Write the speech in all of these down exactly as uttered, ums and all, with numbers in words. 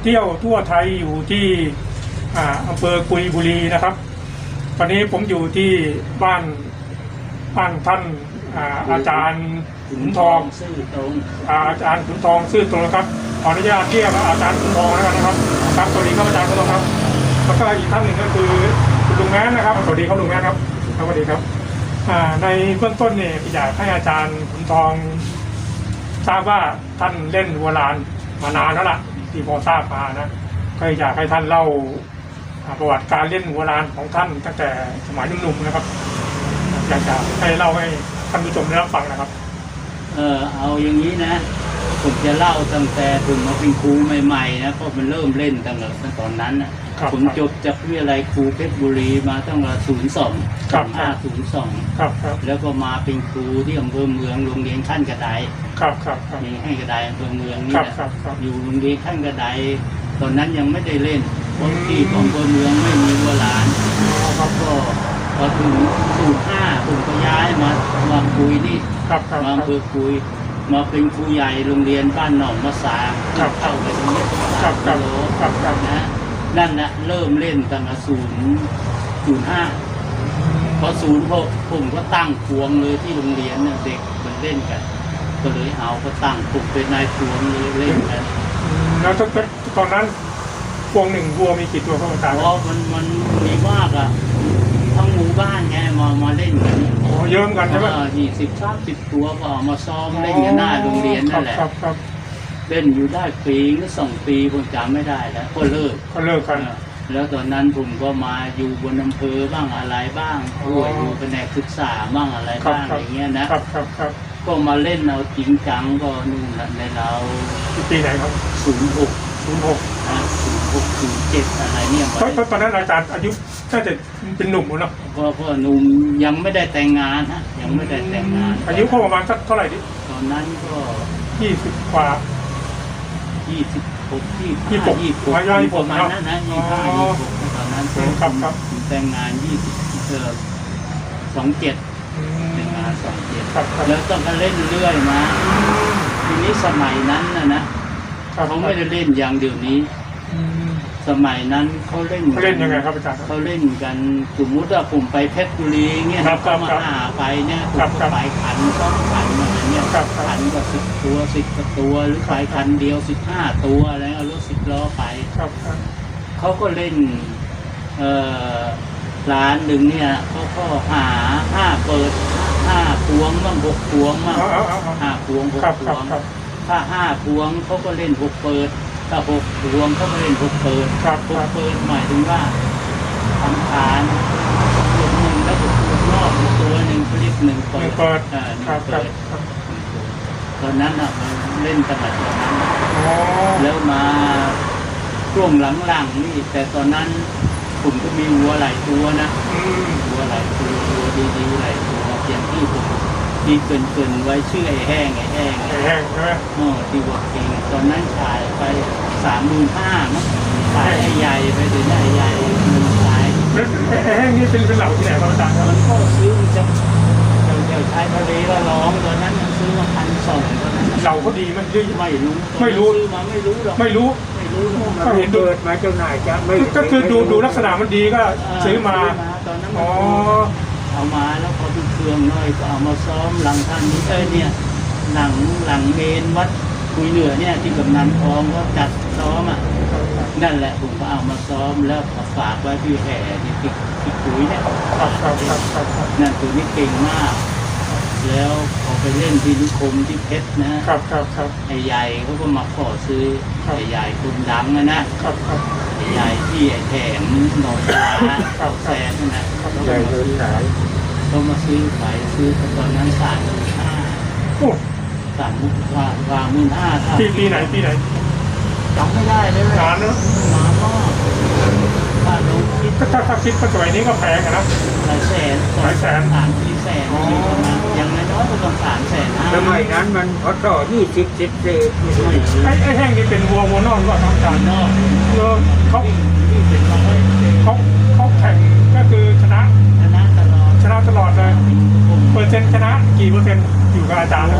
เที่ยวทั่วไทยอยู่ที่อำเภอกุยบุรีนะครับวันนี้ผมอยู่ที่บ้านบ้านท่านอาจารย์ขุนทองซื่อตรงอาจารย์ขุนทองซื่อตรงครับขออนุญาตเรียกอาจารย์ขุนทองแล้วกันนะครับครับสวัสดีครับอาจารย์ขุนทองครับแล้วก็อีกท่านหนึ่งก็คือคุณลุงแม้นนะครับสวัสดีครับลุงแม้นครับสวัสดีครับในเบื้องต้นเนี่ยอยากให้อาจารย์ขุนทองทราบว่าท่านเล่นวัวลานมานานแล้วล่ะที่พอทราบมานะก็อยากให้ท่านเล่าประวัติการเล่นวัวลานของท่านตั้งแต่สมัยหนุ่มๆนะครับอยากจะให้เล่าให้ท่านผู้ชมได้รับฟังนะครับเออเอาอย่างนี้นะผมจะเล่าตั้งแต่ผมมาเป็นครูใหม่ๆนะเพราะมันเริ่มเล่นตั้งแต่ตอนนั้นนะผมจบจากวิทยาลัยครูเพชรบุรีมาตั้งแต่ศูนย์สองสองห้าศูนย์สองแล้วก็มาเป็นครูที่อำเภอเมืองโรงเรียนขั้นกระไดครับครับมีให้กระไดอำเภอเมืองนี่แหละอยู่โรงเรียนขั้นกระไดตอนนั้นยังไม่ได้เล่นเพราะที่ของอำเภอเมืองไม่มีวัวลานก็พอถึงศูนย์ห้าผมก็ย้ายมามาคุยนี่มาอำเภอคุยมาเป็นครูใหญ่โรงเรียนบ้านหนองมะสาเข้าไปตรงนี้สามกิโลนะนั่นนะเริ่มเล่นตั้งแต่ศูนย์ศูนย์ห้าพอศูนย์หกผมก็ตั้งพวงเลยที่โรงเรียนเด็กมันเล่นกันก็เลยเอาก็ตั้งผมเป็นนายพวงเลยเล่นกันแล้วตอนนั้นพวงหนึ่งวัวมีกี่ตัวครับอาจารย์อ๋อมันมันมีมากอ่ะทั้งหมู่บ้านไงมามาเล่นกันอ๋อเยอะกันใช่ไหมยี่สิบสามสิบตัวก็ออกมาซ้อมเล่นกันหน้าโรงเรียนนั่นแหละเล่นอยู่ได้ปีหรือสองปีผมจำไม่ได้แล้วก็เลิกก็เลิกกันแล้วตอนนั้นผมก็มาอยู่บนอำเภอบ้างอะไรบ้างด้วยอยู่แผนกศึกษาบ้างอะไรบ้างอย่างเงี้ยนะครับครับครับก็มาเล่นเอาจริงจังก็นู่นในเราปีไหนครับศูนย์หกศูนย์หกอ่าศูนย์หกศูนย์เจ็ดอะไรเนี่ยเพราะตอนนั้นอาจารย์อายุน่าจะเป็นหนุ่มเนาะเพราะเพราะหนุ่มยังไม่ได้แต่งงานฮะยังไม่ได้แต่งงานอายุประมาณสักเท่าไหร่ดิตอนนั้นก็ยี่สิบกว่ายี่สิบหกยี่สิบหกยี่สิบหกประมาณนั้นนะยี่สิบห้ายี่สิบหกตอนนั้นผมแต่งงานยี่สิบเออสองเจ็ดแต่งงานสองเจ็ดแล้วต้องมาเล่นเรื่อยมาทีนี้สมัยนั้นนะนะเขาไม่ได้เล่นอย่างเดี๋ยวนี้สมัยนั้นเขาเล่นเล่นยังไงครับอาจารย์เขาเล่นกันสมมติว่าผมไปเพชรบุรีเงี้ยเขามาหาไปเนี่ยผมก็ไปขันสองขันอะไรเงี้ยขันก็สิบตัวสิบตัวหรือไปขันเดียวสิบห้าตัวอะไรเอารถสิบล้อไปเขาก็เล่นเอ่อร้านหนึ่งเนี่ยเขาก็หาห้าเปิดห้าพวงบ้างหกพวงบ้างห้าพวงหกพวงถ้าห้าพวงเขาก็เล่นหกเปิดถ้าหกพวงเขาก็เล่นหกเปิดหกเปิดหมายถึงว่าทำฐานตัวหนึ่งแล้วก็ตัวนอกตัวหนึ่งเขาเรียกหนึ่งเปิดอ่าหนึ่งเปิดตอนนั้นอ่ะเล่นตั้งแต่ตอนนั้นแล้วมาช่วงหลังๆนี่แต่ตอนนั้นผมก็มีวัวหลายตัวนะวัวหลายตัววัวดีๆหลายตัวอย่างที่ผมที่เกินๆไว้ชื่อไอ้แห้งไอ้แห้งไอ้แห้งใช่ไหมอ๋อที่วัวเก่งตอนนั้นขายไปสามหมื่นห้ามั้งขายไอ้ใหญ่ไปถึงไอ้ใหญ่มันขายไอ้แห้งนี่เป็นเป็นเหล่าที่ไหนครับอาจารย์มันก็ซื้อมันจะเดี๋ยวชายทะเลละร้องตอนนั้นมันซื้อมาพันสองตอนนั้นเหล่าก็ดีมันดีไม่รู้ไม่รู้ซื้อมาไม่รู้หรอกไม่รู้ก็เห็นดูมาเจ้าหน่ายจะไม่ก็คือดูดูลักษณะมันดีก็ซื้อมาตอนนั้นอ๋อเอามาแล้วพอเป็นเครื่องน้อยก็เอามาซ้อมหลังท่านนี้เอ้ยเนี่ยหลังหลังเมนวัดคุยเหนือเนี่ยที่กำนันทองก็จัดซ้อมอ่ะนั่นแหละผมก็เอามาซ้อมแล้วฝากไว้ที่แห่ที่ที่ที่คุยเนี่ยนั่นตัวนี้เก่งมากแล้วพอไปเล่นที่นิคมที่เพชรนะครับครับครับไอ้ใหญ่เขาก็มาขอซื้อไอ้ใหญ่คนดังนะนะครับครับไอ้ใหญ่ที่ไอ้แถมหนองปลาแสนนะใหญ่เลยขายเขามาซื้อขายซื้อตอนนั้นสามหมื่นห้าสามมุกว่าวางหมื่นห้าปีปีไหนปีไหนจำไม่ได้เลยนานเนอะนานมากถ้ารู้คิดถ้าถ้าคิดปัจจุบันนี้ก็แพงนะหลายแสนหลายแสนสามสี่แสนอยู่ประมาณอย่างน้อยก็ต้องสามแสนห้าสมัยนั้นมันพอต่อยี่สิบสิบเศษไอ้ไอ้แห้งนี่เป็นวัววัวนอกก็ทำการนอกเออเขาเขาเขาแข่งก็คือชนะชนะตลอดชนะตลอดเลยเปอร์เซ็นต์ชนะกี่เปอร์เซ็นต์อยู่กับอาจารย์นะครับ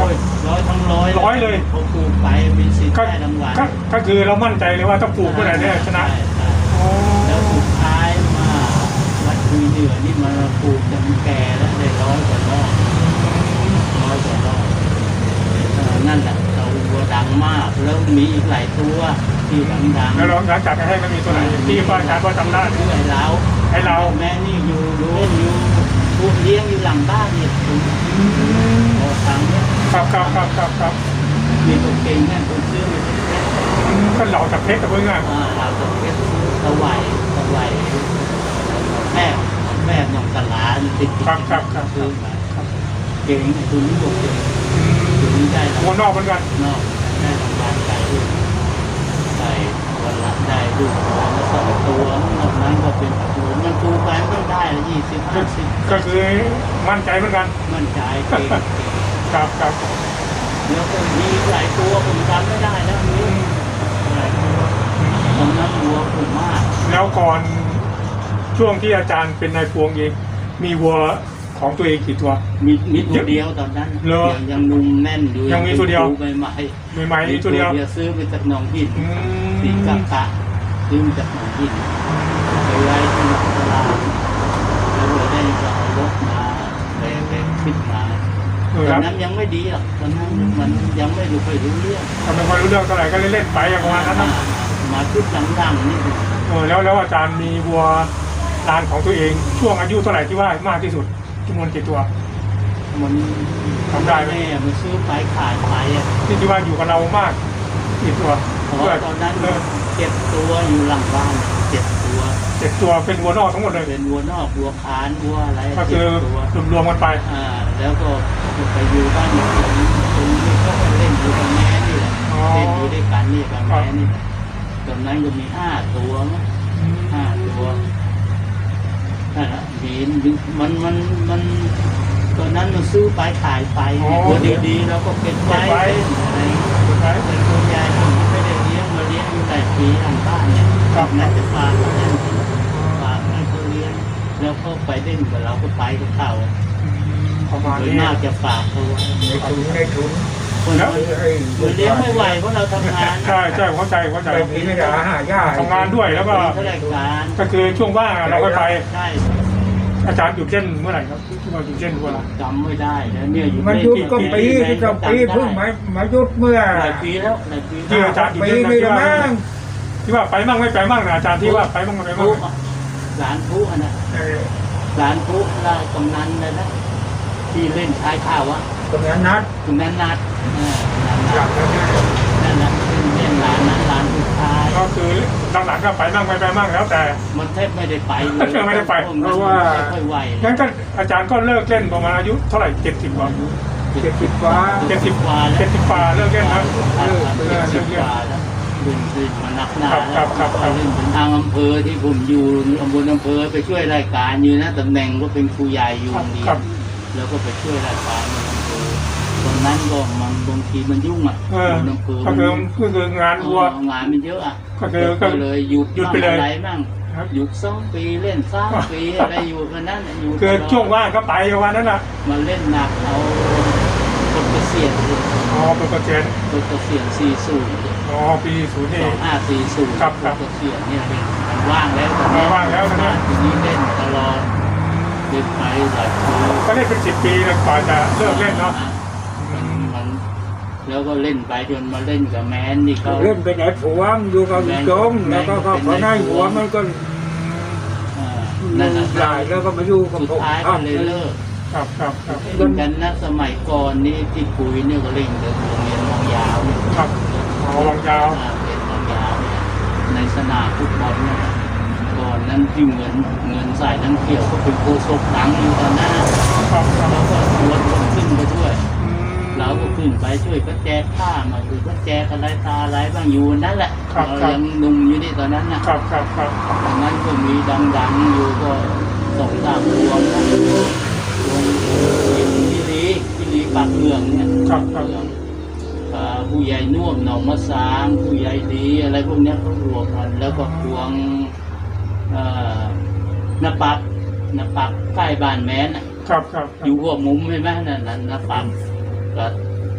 ร้อยทั้งร้อยร้อยเลยเขาปลูกไปมีสิทธิ์ก็ได้รางวัลก็ก็คือเรามั่นใจเลยว่าถ้าปลูกเมื่อไหร่เนี่ยชนะใช่ใช่โอ้แล้วสุดท้ายมาวัดคุยเหนือนี่มาปลูกจนแก่แล้วได้ร้อยกว่ารอบร้อยกว่ารอบเออนั่นแหละเราวัวดังมากแล้วมีอีกหลายตัวที่ดังๆแล้วเราหลังจากให้มันมีตัวไหนที่ป้าอาจารย์ก็จำได้ชื่อไอ้เราไอ้เราแม่นี่อยู่ดูอยู่พูดเลี้ยงอยู่หลังบ้านเนี่ยคุณพอฟังเนี่ยครับครับครับครับครับมีตัวเก่งแม่คนซื้อมีตัวเก่งก็เหล่าจากเพชรกับเพื่อนอ่าเราตัวเก่งตะไหวตะไหวแม่แม่น้องตลาดติดติดครับครับครับซื้อมาเก่งคุณนี่บอกเก่งคุณนี่ได้หัวนอกเหมือนกันนอกได้รางวัลไก่ด้วยไก่วันละได้ลูกวันละสองตัวนอกนั้นก็เป็นตัวมันถูกไปไม่ได้ละยี่สิบห้าสิบก็คือมั่นใจเหมือนกันมันใจเก่งครับครับแล้วก็มีหลายตัวผมจำไม่ได้แล้วนี่หลายตัวตอนนั้นวัวผมมากแล้วก่อนช่วงที่อาจารย์เป็นนายพวงเองมีวัวของตัวเองกี่ตัวมีมีตัวเดียวตอนนั้นเหรอยังยังนุ่มแน่นอยู่ยังมีตัวเดียวใหม่ใหม่ใหม่ๆมีตัวเดียวซื้อไปจากหนองหินอืสีมกะกะซื้อมาจากหนองหินไปไว้ที่ตลาดแล้วเราได้ก็เอารถมาไปไปขึ้นมาเออตคอรันบนั้นยังไม่ดีหรอกตอนนั้นมันยังไม่รู้ไปรู้เรื่องทำไมพอรู้เรื่องเท่าไหร่ก็เล่นๆไปอย่างประมาณนั้นนะมาชุดดังๆนี่เออแล้วแล้วอาจารย์มีวัวลานของตัวเอง ช่วงอายุเท่าไหร่ที่ว่ามากที่สุดจำนวนกี่ตัวมันทำได้ไหมแม่มันซื้อไปขายไปอ่ะที่ที่ว่าอยู่กับเรามากกี่ตัวเพราะว่าตอนนั้นเออเจ็ดตัวอยู่หลังบ้านเจ็ดตัวเจ็ดตัวเป็นวัวนอกทั้งหมดเลยเป็นวัวนอกวัวคานวัวอะไรก็คืเจ็อดตัวรวมๆกันไปอ่าแล้วก็ไปอยู่บ้านอยู่ตรงนี้ตรงนี้ก็เล่นอยู่กับแม่นี่แหละอ๋อเล่นอยู่ด้วยกันนี่กับแม่นี่แหละตอนนั้นก็มีห้าตัวมั้งห้าตัวนั่นแหละมีมันมันมันตอนนั้นมันซื้อไปขายไปตัวดีๆแล้วก็เป็นไว้อะไรเป็นตัวใหญ่ผมไม่ได้เลี้ยงมาเลี้ยงอยู่แต่ปีหลังบ้านเนี่ยน่าจะฝากเล่นฝากให้เขาเลี้ยงแล้วก็ไปเล่นกับเราก็ไปกับเขาประมาณโดยนี้มากจะฝากเขาไว้ในถุงในถุงคนแล้วมันเลี้ยงไม่ไหวเพราะเราทำงานใช่ใช่เข้าใจเข้าใจไปกินไม่ได้หายาทำงานด้วยแล้วก็ข้าราชการก็คือช่วงว่างเราก็ไปใช่อาจารย์หยุดเส้นเมื่อไหร่ครับที่ว่าหยุดเส้นเวลาจำไม่ได้แล้วเนี่ยอยู่มันยุดก็ปีที่ก็ปีเพิ่งมามายุดเมื่อหลายปีแล้วหลายปีที่อาจารย์หยุดปีเส้นนะนี่ที่ละว่ามั้งที่ว่าไปมั่งไม่ไปมั่งนะอาจารย์ที่ว่าไปมั่งไม่ไปมั่งผู้หลานผู้อันนั้นเออหลานผู้ลากำนันเลยนะที่เล่นชายข้าววะตรงนั้นนัดตรงนั้นนัดเออนัดหลังนั้นนะนั่นนะเล่นหลานนั้นหลานผู้ชายก็คือหลังๆก็ไปมั่งไม่ไปมั่งแล้วแต่มันแทบไม่ได้ไปเลยไม่ได้ไปเพราะว่าไม่ค่อยไหวงั้นก็อาจารย์ก็เลิกเล่นประมาณอายุเท่าไหร่เจ็ดสิบกว่าเจ็ดสิบกว่าเจ็ดสิบกว่าแล้วเจ็ดสิบกว่าเลิกเล่นนะเออเจ็ดสิบกว่าแล้วเล่นเล่นมานักหนาครับครับครับครับเล่นถึงทางอำเภอที่ผมอยู่อำเภออำเภอไปช่วยรายการอยู่นะตำแหน่งก็เป็นครูใหญ่อยู่โรงเรียครันบแล้วก็ไปช่วยรายการในอำเภอตอนนั้นก็มันบางทีมันยุ่งอ่ะเอออำเภอก็คือก็คืองานวัวเอองานมันเยอะอ่ะก็คือก็เลยหยุดหยุดไปเลยบ้างอะไรบ้างครับหยุดสองปีเล่นสามปีอะไรอยู่กันนั้นอยู่คือตลดช่วงว่างก็ไปวันนั้นน่ะมาเล่นหนักเอาคนเกษียณอ๋อเป็นเปอร์เซ็นต์คนเกษียณสี่ศูนย์อ๋อปีศูนย์สนี่องห้าสี่ศูนย์ครับครับเกษียณเนี่ยเป็นมันว่างแล้วตอนนี้ว่างแล้วตอนนี้ทีนี้เล่นตลอดเล่นไปหลายปีก็เล่นเป็นสิบปีแล้วกว่าจะเลิกเล่นเนาะมันมันแล้วก็เล่นไปจนมาเล่นกับแมนนี่เขาเล่นเป็นไอ้ผัวมอยู่กับจงแล้วก็ก็พอได้หัวมันก็เอ่อนั่นแหละหลายแล้วก็มาอยู่กับสุดผมท้ายก็เลยเลิกครับครับครับเล่นกันนะสมัยก่อนนี่ที่ปุ๋ยเนี่ยก็เล่นกับโรงเรียนมองยาวเนี่ยครับอ๋อวางยาวอ่าเป็นมองยาวเนี่ยในสนามฟุตบอลเนี่ยก่อนนั้นที่เงินเงินใส่ทั้งเขียวก็เป็นโคศกหลังอยู่ตอนนั้นนะครับครับแล้วก็ชวนคนขึ้นไปด้วยอืมเราก็ขึ้นไปช่วยก็แจกผ้ามาคือก็แจกอะไรตาอะไรบ้างอยู่นั่นแหละครับเราครับยังหนุ่มอยู่นี่ตอนนั้นนะครับครับครับตอนนั้นก็มีดังๆอยู่ก็สองสามพวงนะพวงพิลีพิลีปากเหลืองเนี่ยครับครับอ่าผู้ใหญ่น่วมหนองมะสางผู้ใหญ่ดีอะไรพวกเนี้ยเขารวมกันแล้วก็พวงเอ่อนาปักนาปักใกล้บ้านแม้นน่ะครับครับอยู่หัวมุมใช่ไหมนั่นนั่นนาปักก็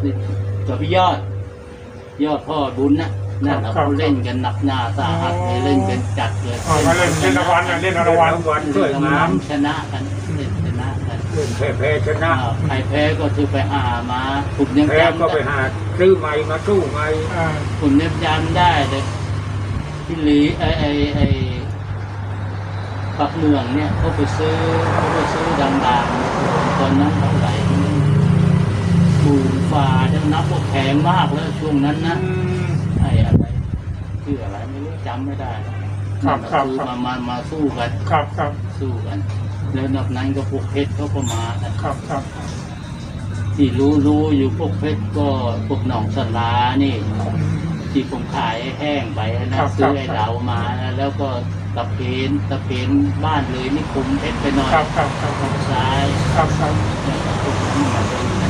กับพี่ยอด ยอดพ่อบุญนะนั่นเขาเล่นกันหนักหนาสาหัสเลยเล่นกันจัดเลยอ๋อมาเล่นเล่นรางวัลนะเล่นรางวัลวันสวยงามชนะกันเล่นชนะกันเล่นแพ้แพ้ชนะอ่าใครแพ้ก็คือไปหามาผมยังแพ้จำก็ไปได้หาซื้อใหม่มาสู้ใหม่อ่าผมยังจำได้เลยพี่หลีไอไอไอปักเมืองเนี่ยเขาไปซื้อเขาไปซื้อดังๆตอนนั้นเท่าไหร่หมื่นฝ่าจะนับว่าแพงมากแล้วช่วงนั้นนะอืมไอ้อะไรชื่ออะไรไม่รู้จำไม่ได้ครับครับซื้อครับมามามาสู้กันครับครับสู้กัน แล้วนอกนั้นก็พวกเพชรเขาก็มากันครับครับที่รู้รู้อยู่พวกเพชรก็พวกหนองสลานี่ ที่ผมขายแห้งไปนะซื้อไอ้เหลามาแล้วก็ตะเพนตะเพนบ้านเลยนี่คุมเพชรไปหน่อยครับครับครับครับซ้ายครับครับแล้วก็พวกนั้นมาดูกัน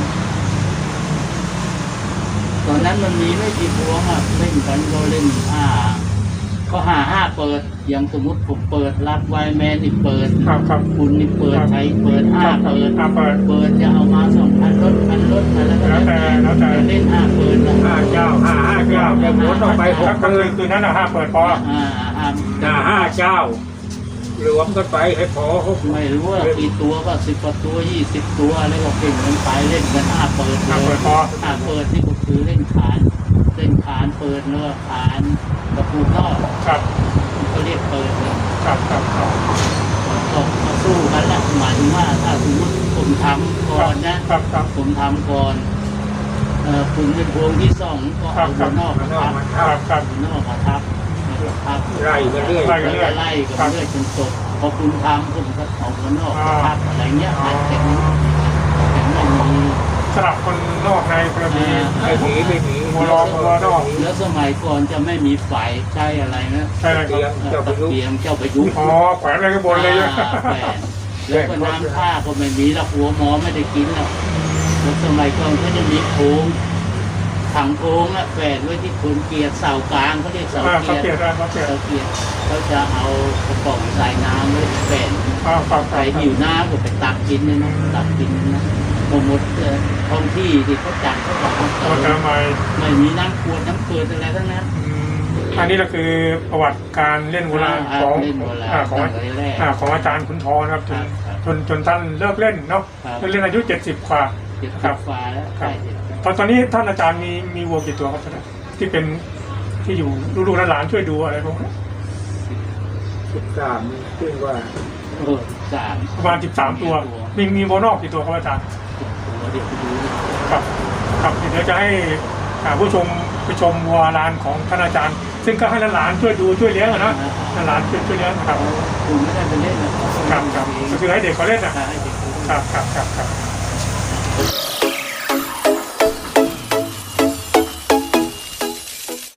ตอนนั้นมันมีไม่กี่พวงอ่ะเล่นกันก็เล่นห้าก็หาห้าเปิดอย่างสมมติผมเปิดรับไวแมนนี่เปิดครับครับคุณนี่เปิดใช้เปิดห้าเปิดอ่าเปิดเปิดจะเอามาสองพันรถพันรถมาแล้วก็แล้วแต่แล้วแต่จะเล่นห้าเปิดนะห้าเจ้าห้าห้าเจ้าแต่หมดออกไปหครักบก็คืคือน คืนนั้นนะห้าเปิดพออ่าห้าห้าห้าเจ้า รวมกันไปให้พอหกไม่รู้ว่ากี่ตัวก็สิบกว่าตัวยี่สิบตัวแล้วก็เก่งกันไปเล่นกันห้าเปิดเลห้าย เปิดพอห้าเปิดที่ก็คือเล่นขานเล่นขานเปิดเนื้อขานกระปูนอกครับก็เรียกเปิดเลยครับครับครับก็มาสู้กันแหละหมายถึงว่าถ้าสมมติผมทำก่อนนะครับครับผมทำก่อนเอ่อคุณเป็นพวงที่สองก็เอาหัวนอกมาทับครับครับหัวนอกมาทับมาทับไล่กันเรื่อยไล่แล้วก็ไล่กันเรื่อยจนจบพอคุณทำคุณก็เอาหัวนอกมาทับอะไรเงี้ยมันแข็งแข็งไม่มีสลับคนนอกในคนละทีไม่หนีไม่หนีหัวรอหัวนอกแล้วสมัยก่อนจะไม่มีไฟใช้อะไรนะใช่เลยคเตียรับงเอ่อเจ้าพตะยุเกียงเจ้าประยุกต์อ๋อแขวนอะไรข้างบนเลยอ่าแฝดแล้วก็น้ำท่าก็ไม่มีแล้วหัวหมอไม่ได้กินแล้วแล้วสมัยก่อนก็จะมีโพงถังโพงอะแฝดไว้ที่โคนเกียร์เสากลางเขาเรียกเสาอ่าเกีเขายเปลี่ยนร์ได้เขาเปลี่ยนเสาเกียร์เขาจะเอากระป๋องใส่น้ำไว้แฝดอ่าครับคใครรับหิวน้ำก็ไปตักกินเนี่ยนะตักกินนะพอหมดเอ่อท้องที่ที่เขาจัดเขาบอกว่าตัวจะใหม่ไม่มีน้ำขวดน้ำเกลืออะไรทั้งนั้นอืมอันนี้ก็คือประวัติการเล่นโบราณของเล่นโบราณอ่าของตั้งแต่แรกอ่าของอาจารย์ขุนทองนะครับจนครับจนจนท่านเลิกเล่นเนาะครับเล่นอายุเจ็ดสิบกว่าเจ็ดคสิรับบ ฟ้าแล้วครัใช่บเจ็ดสิบตอนตอนนี้ท่านอาจารย์มีมีวัวกี่ตัวครับท่านที่เป็นที่อยู่ลูกๆหลานๆช่วยดูอะไรพวกนี้สิบสามซึ่งว่าเออสามประมาณสิบสามตัว มีมีวัวนอกกี่ตัวครับอาจารย์ตัวเดี๋ยวไปดูดิครับครับเดี๋ยวจะให้อ่าผู้ชมไปชมวัวลานของท่านอาจารย์ ซึ่งก็ให้หลานๆช่วยดูช่วยเลี้ยงอะนะหลานๆช่วยช่วยเลี้ยงนะครับคุณไม่ได้ไปเล่นนะครับครับครับก็คือให้เด็กเขาเล่นนะให้เด็กเขาเล่นครับครับครับครับ